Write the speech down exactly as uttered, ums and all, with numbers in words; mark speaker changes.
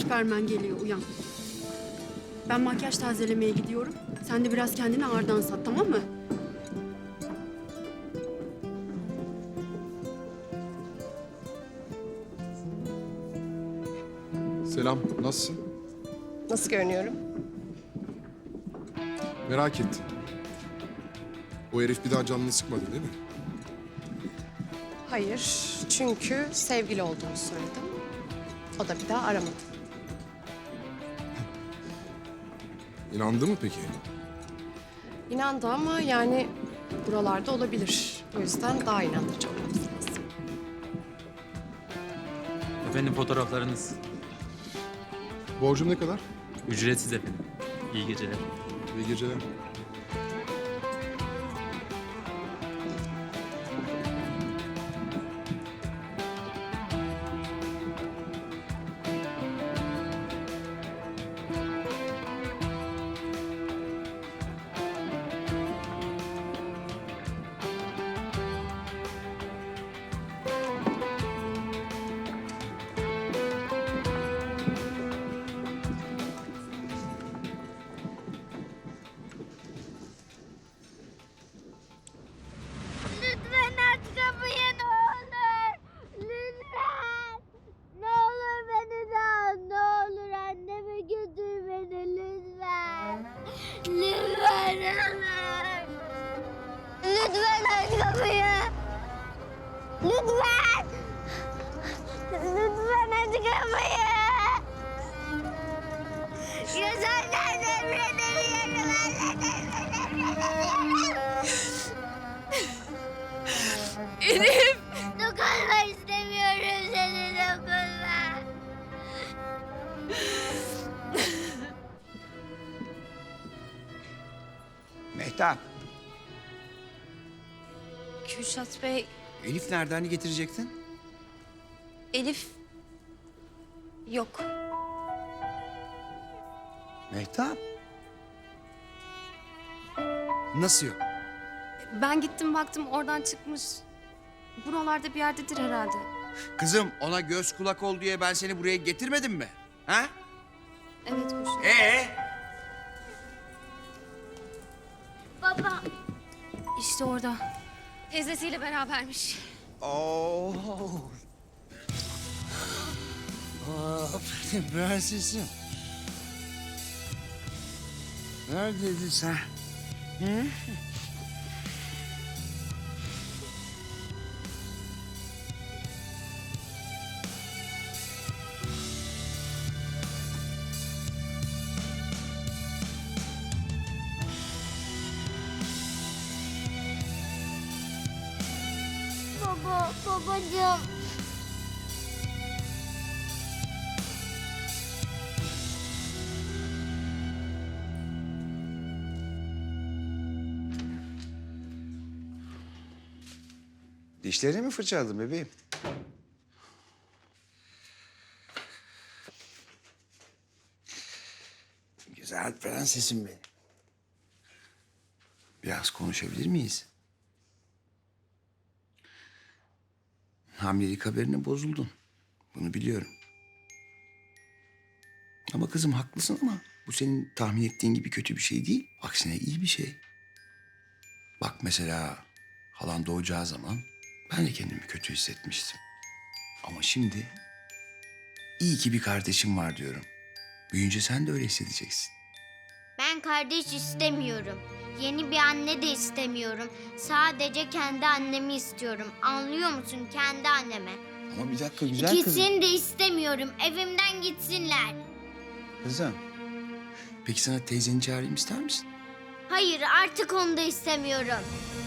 Speaker 1: Süpermen geliyor, uyan. Ben makyaj tazelemeye gidiyorum. Sen de biraz kendini ağırdan sat, tamam mı?
Speaker 2: Selam, nasılsın?
Speaker 3: Nasıl görünüyorum?
Speaker 2: Merak ettim. O herif bir daha canını sıkmadı değil mi?
Speaker 3: Hayır, çünkü sevgili olduğunu söyledim. O da bir daha aramadı.
Speaker 2: İnandı mı peki?
Speaker 3: İnandı ama yani buralarda olabilir. O yüzden daha inandırıcı olmamız lazım.
Speaker 4: Efendim fotoğraflarınız.
Speaker 2: Borcum ne kadar?
Speaker 4: Ücretsiz efendim. İyi geceler.
Speaker 2: İyi geceler.
Speaker 5: Lütfen aç kapıyı ne olur. Lütfen. Ne olur beni de al. Ne olur anneme götür beni lütfen. Lütfen anne. Lütfen aç kapıyı. Lütfen. Lütfen aç kapıyı. Gözlerden nefret ediyorum. Gözlerden nefret ediyorum.
Speaker 1: Elif!
Speaker 5: Dokunma istemiyorum seni dokunma.
Speaker 6: Mehtap,
Speaker 7: Kürşat Bey,
Speaker 6: Elif nereden hani getirecektin?
Speaker 7: Elif yok.
Speaker 6: Mehtap. Nasıl yok?
Speaker 7: Ben gittim baktım oradan çıkmış. Buralarda bir yerdedir herhalde.
Speaker 6: Kızım ona göz kulak ol diye ben seni buraya getirmedim mi? Ha?
Speaker 7: Evet Kürşat.
Speaker 6: Ee?
Speaker 5: Baba.
Speaker 7: İşte orada. Teyzesiyle berabermiş.
Speaker 6: Oo. Aferin prensesim. Neredeydin sen? Hı?
Speaker 5: Baba, babacığım.
Speaker 6: Dişlerini mi fırçaladın bebeğim? Güzel prensesim benim. Biraz konuşabilir miyiz? Hamilelik haberine bozuldun. Bunu biliyorum. Ama kızım haklısın ama bu senin tahmin ettiğin gibi kötü bir şey değil. Aksine iyi bir şey. Bak mesela halan doğacağı zaman ben de kendimi kötü hissetmiştim. Ama şimdi iyi ki bir kardeşim var diyorum. Büyüyünce sen de öyle hissedeceksin.
Speaker 5: Ben kardeş istemiyorum. Yeni bir anne de istemiyorum. Sadece kendi annemi istiyorum. Anlıyor musun? Kendi anneme.
Speaker 6: Ama bir dakika güzel kızım.
Speaker 5: İkisini de istemiyorum. Evimden gitsinler.
Speaker 6: Kızım. Peki sana teyzeni çağırayım ister misin?
Speaker 5: Hayır, artık onu da istemiyorum.